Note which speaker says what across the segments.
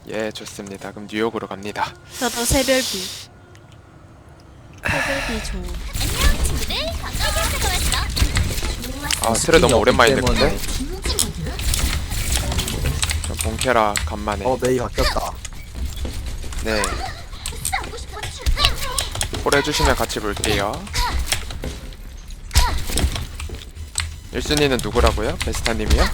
Speaker 1: 예, 좋습니다. 그럼 뉴욕으로 갑니다.
Speaker 2: 저도 새별비. 새별비 좋은.
Speaker 1: 아, 트레 너무 오랜만에
Speaker 3: 때문에.
Speaker 1: 됐는데. 저 본캐라 간만에.
Speaker 3: 메이 바뀌었다.
Speaker 1: 네. 콜 해주시면 같이 볼게요. 1순위는 누구라고요? 베스타님이요?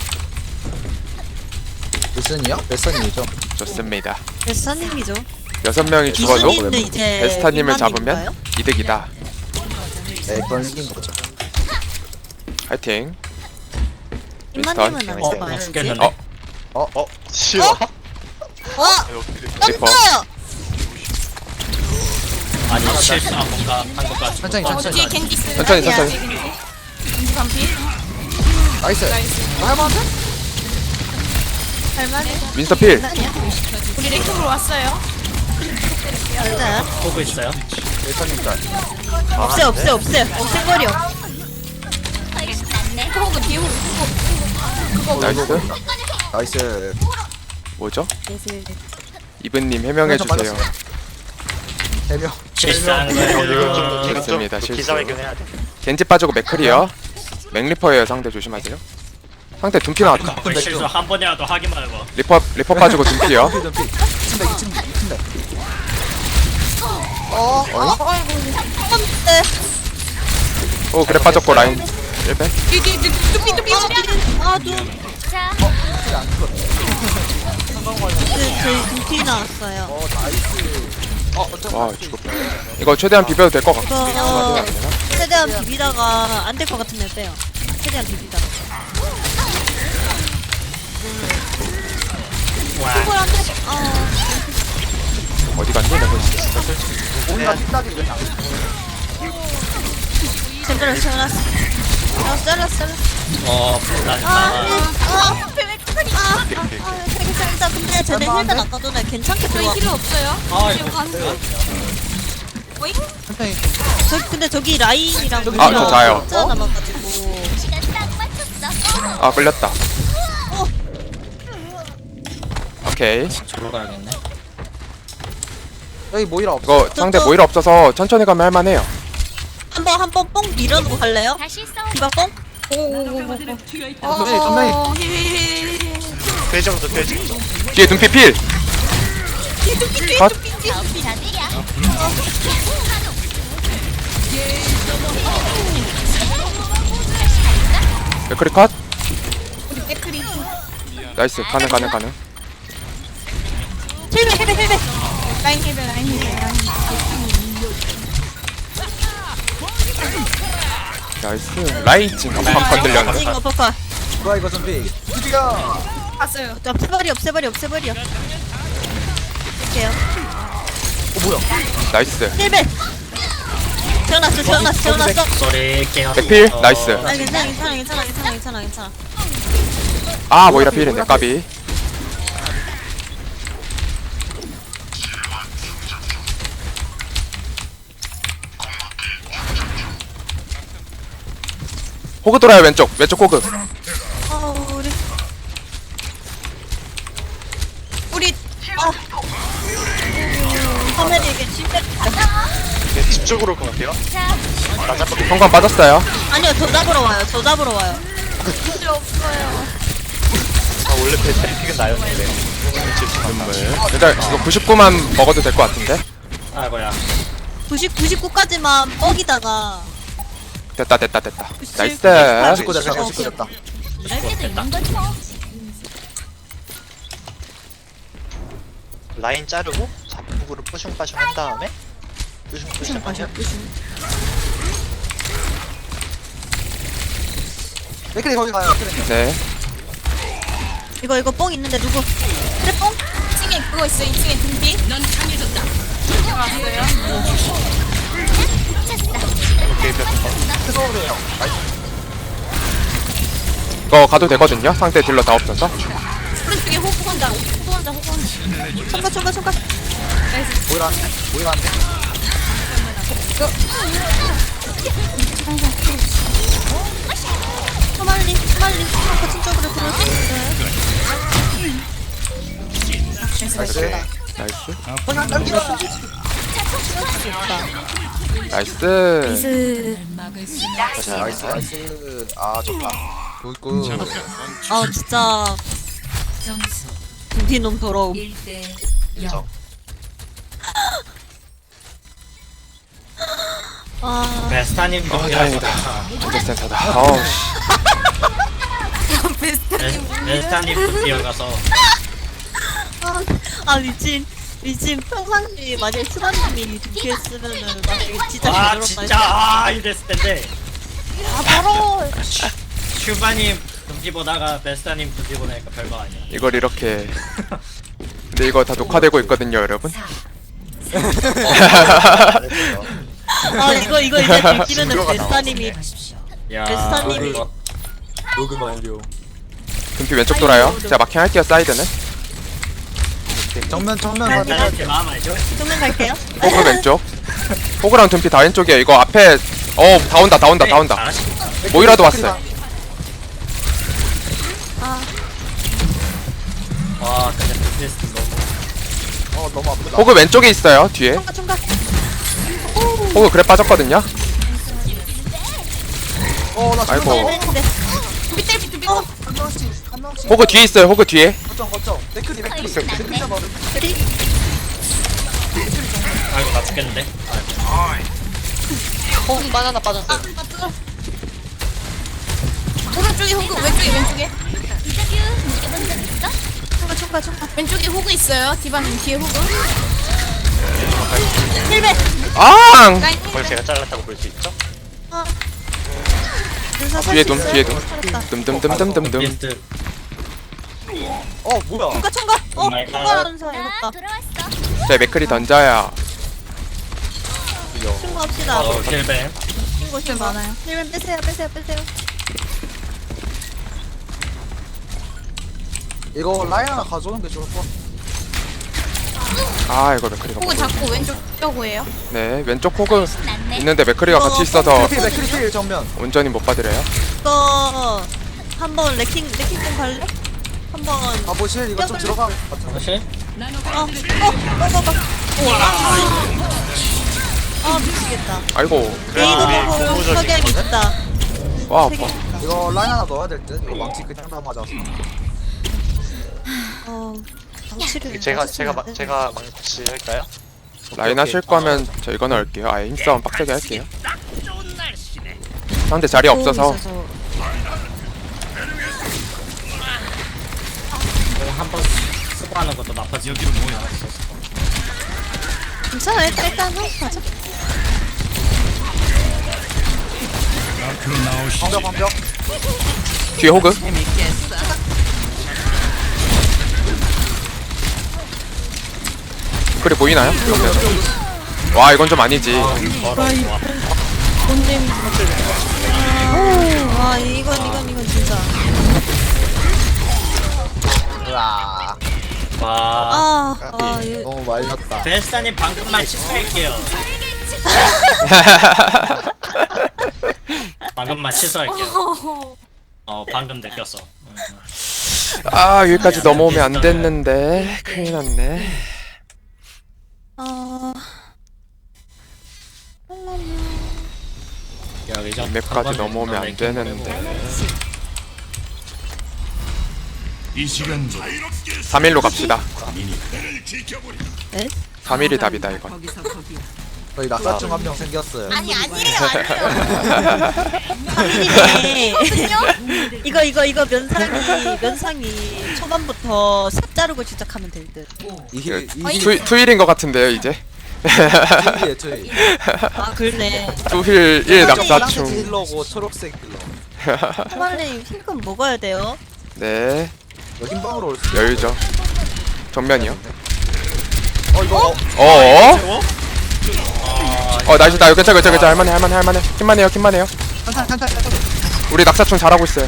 Speaker 3: 무슨이요? 베스턴이죠.
Speaker 1: 좋습니다.
Speaker 2: 베스타님이죠.
Speaker 1: 6명이 죽어도
Speaker 2: 이순이는 이제
Speaker 1: 베스타님을
Speaker 2: 이만님인가요?
Speaker 1: 잡으면 이득이다.
Speaker 3: 네, 그건 이긴 거죠.
Speaker 1: 화이팅.
Speaker 2: 이만님은 안
Speaker 1: 윈스턴.
Speaker 2: 잡아요.
Speaker 4: 죽겠는데?
Speaker 5: 싫어?
Speaker 2: 와!
Speaker 1: 리퍼.
Speaker 2: 떴어요!
Speaker 4: 아니 실수한 뭔가 한 것 같아.
Speaker 3: 천천히, 천천히.
Speaker 6: 뒤에 겐지 있어요.
Speaker 1: 천천히,
Speaker 2: 아니야.
Speaker 1: 천천히.
Speaker 6: 겐지 반피.
Speaker 3: 나이스. 할만한데?
Speaker 2: 할만해.
Speaker 1: 윈스터 필.
Speaker 2: 아니야.
Speaker 6: 우리 랭킹으로 왔어요.
Speaker 2: 맞아요.
Speaker 4: 보고 있어요.
Speaker 3: 베스턴님 짤.
Speaker 2: 없애. 없애버려.
Speaker 6: 호그 뒤에 호그.
Speaker 1: 나이스.
Speaker 3: 나이스.
Speaker 1: 뭐죠? 이브님 해명해주세요.
Speaker 3: 3명.
Speaker 4: 실수한 거예요.
Speaker 1: 좋습니다. 실수.
Speaker 5: 기자회견해야 돼.
Speaker 1: 겐지 빠지고 맥클이요. 맥리퍼예요. 상대 조심하세요. 상대 둠피 나왔다.
Speaker 4: 우리 실수 한 번이라도 하기 말고.
Speaker 1: 리퍼 빠지고 둠피요.
Speaker 3: 둠피, 둠피. 2층대.
Speaker 2: 네.
Speaker 1: 오, 그래 빠졌고 라인 1배.
Speaker 6: 뚜삐.
Speaker 2: 아, 눈. 저희 눈피 나왔어요.
Speaker 3: 나이스.
Speaker 1: 와, 죽었다. 이거 최대한 비벼도 될 것 같고.
Speaker 2: 이거 최대한 비비다가 안 될 것 같으면 빼요. 최대한 비비다가. 그걸 안 돼.
Speaker 1: 어디 갔니? 내가
Speaker 3: 뭔가 뒷다리 그냥.
Speaker 2: 잘랐어. 괜찮다. 근데 쟤네 힐단 아까 전에 괜찮게
Speaker 6: 저희
Speaker 2: 들어와.
Speaker 6: 힐러 없어요. 지금 간. 오잉?
Speaker 3: 천천히.
Speaker 2: 근데 저기 라인이랑
Speaker 1: 아, 저 자요.
Speaker 2: 숫자 남아가지고.
Speaker 1: 아, 끌렸다. 오케이.
Speaker 4: 저로 가야겠네.
Speaker 3: 여기 모이라 없어.
Speaker 1: 이거 상대 모이라 없어서 천천히 가면 할만해요.
Speaker 2: 한번 뽕 밀어놓고 갈래요? 디바 뽕?
Speaker 3: 천천히.
Speaker 5: 돼지부터 돼지.
Speaker 1: 뒤에 둠피 필. 컷. 맥크리 컷. 나이스. 가능.
Speaker 2: 힐베.
Speaker 6: 라인 힐벨.
Speaker 1: 나이스. 라인 지금 팍팍 들렸는데.
Speaker 2: 이거 버커.
Speaker 3: 뭐야 이거 둠피. 드디어.
Speaker 6: 봤어요.
Speaker 2: 없애버려. 할게요.
Speaker 3: 뭐야?
Speaker 1: 나이스.
Speaker 2: 힐베. 태어났어.
Speaker 4: 소리 깨어.
Speaker 1: 백필. 나이스.
Speaker 2: 아, 괜찮아.
Speaker 1: 아, 모이라 필인데 까비. 호그 돌아요. 왼쪽 호그.
Speaker 2: 우리 화면이 이게 침대.
Speaker 5: 네, 집 쪽으로 올 것 같아요. 나 잡고
Speaker 1: 성광 빠졌어요.
Speaker 2: 아니요, 저 잡으러 와요.
Speaker 5: 원래 배트릭은 나였는데.
Speaker 1: 일단 이거 99만 먹어도 될 것 같은데.
Speaker 4: 아이고야.
Speaker 2: 99까지만 뻑이다가
Speaker 1: 됐다. 나이스.
Speaker 3: 19 됐다. 19 됐다.
Speaker 5: 라인 자르고 잡국으로 뿌슝빠슝 한 다음에 뿌슝뿌슝 하면
Speaker 3: 맥클이 거기 가요.
Speaker 1: 네.
Speaker 2: 이거 뽕 있는데 누구? 그래 뽕?
Speaker 6: 2층에 그거 있어. 2층에 등비. 넌 강해졌다. 왔어요.
Speaker 5: 오케이
Speaker 3: 서울이에요.
Speaker 1: 이거 가도 되거든요. 상대 딜러 다 없어서.
Speaker 6: 오른쪽에 호구 혼자.
Speaker 2: 총각.
Speaker 3: 모이라 안 돼. 모이라 안 돼.
Speaker 2: 빨리. 거친 쪽으로 들어올 수 있어요.
Speaker 3: 나이스.
Speaker 1: 나이스.
Speaker 3: 그냥 당기라.
Speaker 1: 나이스.
Speaker 3: 나이스 나이스. 아 좋다. 굿굿.
Speaker 2: 아 진짜 둠피놈 더러움. 아
Speaker 4: 베스타님
Speaker 1: 다행이다. 진짜 센터다. 어우 씨.
Speaker 4: 베스타님 또 뛰어가서
Speaker 2: 미친 평상시 만약에 수반님이 둠피 했으면은 나 이거 진짜
Speaker 4: 아
Speaker 2: 개더럽다
Speaker 4: 진짜 이랬을 텐데
Speaker 2: 아 바로
Speaker 4: 슈바님 금지 보다가 베스타님 금지 보니까 별거 아니야.
Speaker 1: 이걸 이렇게. 근데 이거 다 녹화되고 있거든요, 여러분.
Speaker 2: 아 이거 이제 들키면은 베스타님이
Speaker 4: 야
Speaker 2: 베스타님이
Speaker 3: 녹음 완료.
Speaker 1: 금피 왼쪽 돌아요. 제가 마킹 할게요, 사이드는.
Speaker 3: 정면
Speaker 4: 베스타님 마음 알죠?
Speaker 2: 정면 갈게요.
Speaker 1: 호그 왼쪽. 호그랑 금피 다 왼쪽이에요. 이거 앞에 다 온다.
Speaker 4: 잘하시겠다.
Speaker 1: 모이라도 왔어요.
Speaker 4: 와 근데 베스트 너무
Speaker 3: 너무 아프다.
Speaker 1: 호그 왼쪽에 있어요, 뒤에.
Speaker 2: 총각.
Speaker 1: 호그 그래 빠졌거든요.
Speaker 3: 나
Speaker 1: 아이고.
Speaker 2: 네.
Speaker 3: 한 명씩.
Speaker 1: 호그 뒤에 있어요, 호그 뒤에.
Speaker 3: 거점. 맥크리. 맥크리 잡아.
Speaker 4: 아이고 나 죽겠는데.
Speaker 6: 호흡 바나나 빠졌어. 오른쪽에 호구, 왼쪽에.
Speaker 2: 총각.
Speaker 6: 왼쪽에 호구 있어요. 디바님 뒤에 호구.
Speaker 2: 힐베.
Speaker 1: 앙!
Speaker 5: 그걸 제가 잘랐다고 볼 수 있죠?
Speaker 1: 뒤에 둠. 둠.
Speaker 4: 베스트
Speaker 3: 뭐야?
Speaker 2: 총각.
Speaker 4: 마이 갓.
Speaker 2: 총각하는 사람 해볼까?
Speaker 1: 제 맥크리 던져야.
Speaker 2: 친구합시다.
Speaker 4: 힐뱀
Speaker 2: 친구 많아요. 힐베 빼세요.
Speaker 3: 이거 라인 하나 가져오는 게 좋을 것 같아.
Speaker 1: 아, 이거 맥크리가.
Speaker 6: 호구 잡고 왼쪽 뼈고예요.
Speaker 1: 네, 왼쪽 호그 있는데 맥크리가 같이 있어서
Speaker 3: 맥크리 필 정면.
Speaker 1: 온전히 못 봐드려요.
Speaker 2: 이거 한번 레킹 좀 갈래? 한번
Speaker 3: 가보실 이거 좀 들어가.
Speaker 4: 사실
Speaker 2: 미치겠다.
Speaker 1: 아이고.
Speaker 5: 그래도 우리
Speaker 2: 메이도 보고
Speaker 5: 고무적인
Speaker 2: 석양이
Speaker 5: 거는
Speaker 2: 있다.
Speaker 1: 와,
Speaker 2: 세 개
Speaker 1: 아파.
Speaker 2: 있다.
Speaker 3: 이거 라인 하나 넣어야 될 듯. 이거 망치 그냥 다 맞아서.
Speaker 2: 방치를
Speaker 5: 제가 망치 할까요?
Speaker 1: 라인 하실 거면 저 이거 넣을게요. 아예 힘싸움 빡세게 할게요. 상대 자리 없어서.
Speaker 4: 한번 쓰고 하는 것도 나쁘지. 여기로 모여 있었어.
Speaker 2: 괜찮아. 일단 가자.
Speaker 3: 방벽.
Speaker 1: 뒤에 호그. 그래 보이나요? 그러면. 와, 이건 좀 아니지.
Speaker 2: 와 이건 진짜.
Speaker 3: 으아.
Speaker 4: 와
Speaker 2: 이거
Speaker 3: 너무 말렸다.
Speaker 4: 베스타님 방금만 취소할게요. 방금만 취소할게요. 방금 느꼈어.
Speaker 1: 아, 여기까지 넘어오면 안 됐는데. 큰일 났네.
Speaker 4: 여기죠.
Speaker 1: 이 맵까지 넘어오면 안 되는데. 3일로 갑시다.
Speaker 2: 네?
Speaker 1: 3일이 답이다, 이건.
Speaker 3: 저희 낙사충 한 명 생겼어요.
Speaker 6: 아니에요.
Speaker 2: 이거 면상이 초반부터 삽 자르고 시작하면 될 듯.
Speaker 1: 투일인 것 같은데요, 이제.
Speaker 3: 저희.
Speaker 2: 아 그러네.
Speaker 1: 투힐 1 낙사충.
Speaker 3: 힐러고 초록색 힐러.
Speaker 2: 초반님 힐끔 먹어야 돼요.
Speaker 1: 네,
Speaker 3: 이거 흰방으로 올 수.
Speaker 1: 여유죠. 정면이요.
Speaker 3: 이거.
Speaker 1: 어어? 나이스. 나 괜찮아. 할만해. 킴만 해요.
Speaker 3: 천천히.
Speaker 1: 우리 낙사충 잘하고 있어요.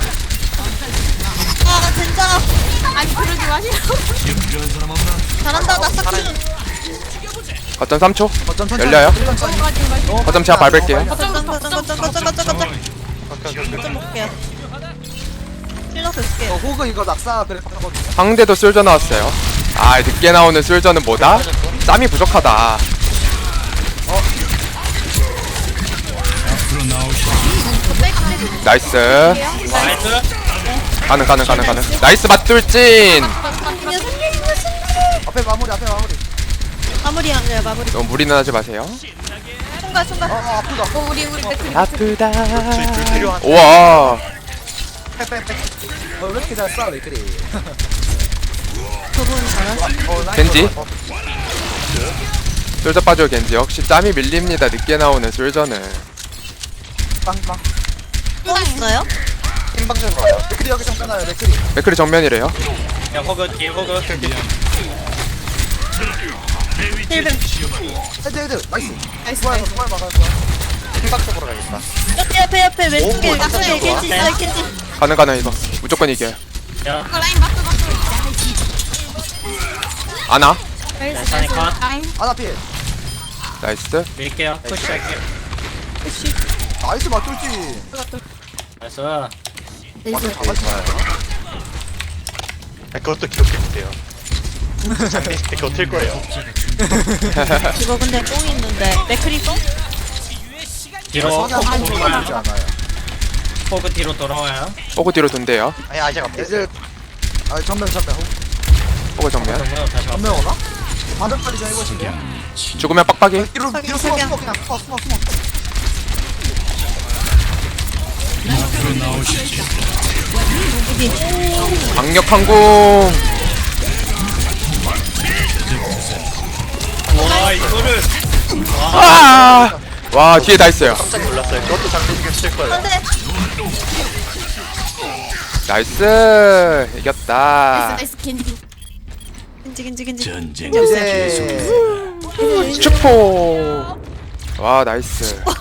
Speaker 2: 아 진짜
Speaker 6: 아니 그러지 마시라고.
Speaker 2: 잘한다. 나 삭제.
Speaker 1: 거점 3초.
Speaker 3: 거점 천천히.
Speaker 1: 열려요?
Speaker 3: 천천히.
Speaker 1: 거점 제가 밟을게요.
Speaker 2: 거점 먹게요. 힐러스 쓸게요.
Speaker 3: 호그 이거 낙사 그래 하거든요.
Speaker 1: 상대도 쏠져 나왔어요. 아 늦게 나오는 술전은 뭐다? 짬이 부족하다. 나이스.
Speaker 4: 나이스.
Speaker 1: 가능. 나이스 맞돌진.
Speaker 3: 앞에 마무리 앞에 마무리.
Speaker 2: 마무리야, 네, 마무리.
Speaker 1: 너무 무리는 하지 마세요.
Speaker 2: 순간.
Speaker 3: 아프다.
Speaker 6: 우리 맥크리.
Speaker 1: 아프다.
Speaker 5: 저희 불 필요한.
Speaker 1: 우와.
Speaker 3: 빽빽빽. 왜 이렇게 잘 싸워 레크리.
Speaker 2: 저분 잘하시.
Speaker 1: 겐지. 솔저 빠져 겐지. 역시 짬이 밀립니다. 늦게 나오는 솔저는.
Speaker 3: 빵빵.
Speaker 2: 또 있어요?
Speaker 5: 흰방전 가요.
Speaker 3: 레크리 여기 좀 떠나요 레크리.
Speaker 1: 맥크리 정면이래요.
Speaker 4: 야 호그 뒤에 호그.
Speaker 2: 힐뱀.
Speaker 3: 헤드 나이스.
Speaker 6: 나이스
Speaker 3: 좋아요
Speaker 6: 나이스.
Speaker 3: 좋아요 막아요 좋아요.
Speaker 5: 흰방 쪽으로 가겠다.
Speaker 2: 옆에 왼쪽에
Speaker 5: 오,
Speaker 2: 왼쪽에 겐지 있어요, 겐지.
Speaker 1: 가능 이거. 무조건 이겨요.
Speaker 4: 야
Speaker 6: 라인 맞고.
Speaker 1: 아나.
Speaker 4: 베스타님 컷.
Speaker 6: 라인.
Speaker 3: 아나 피해.
Speaker 1: 나이스.
Speaker 4: 밀게요. 푸시할게요.
Speaker 3: 나이스 맞돌지.
Speaker 4: 나이스.
Speaker 6: 나이스.
Speaker 5: 그것도 기억해주세요. 장례식 때 그거 틀 거예요.
Speaker 2: 이거 근데 뽕 있는데. 맥크리 뽕?
Speaker 4: 뒤로
Speaker 3: 성향
Speaker 4: 호그
Speaker 3: 한
Speaker 4: 돌아와요.
Speaker 3: 번이지 않아요.
Speaker 4: 호그 뒤로 돌아와요.
Speaker 1: 호그 뒤로 돈대요.
Speaker 5: 아니 아직 안
Speaker 3: 이제
Speaker 5: 됐어요.
Speaker 3: 아 전면
Speaker 1: 호그 정면.
Speaker 4: 정면 다시 와.
Speaker 3: 전면 오나? 반대까지 좀 해보실게요.
Speaker 1: 죽으면 빡빡이.
Speaker 3: 뒤로
Speaker 2: 석양,
Speaker 3: 숨어
Speaker 2: 석양.
Speaker 3: 숨어 그냥 숨어.
Speaker 1: 강력한 공.
Speaker 4: 와 이거를.
Speaker 1: 아! 와 뒤에 다 있어요.
Speaker 5: 깜짝 놀랐어요. 그것도 장례식에 쓸 거예요.
Speaker 2: 안돼.
Speaker 1: 나이스. 이겼다.
Speaker 6: 나이스 캔디.
Speaker 2: 겐지.
Speaker 3: 이제
Speaker 1: 슈퍼. 와 나이스.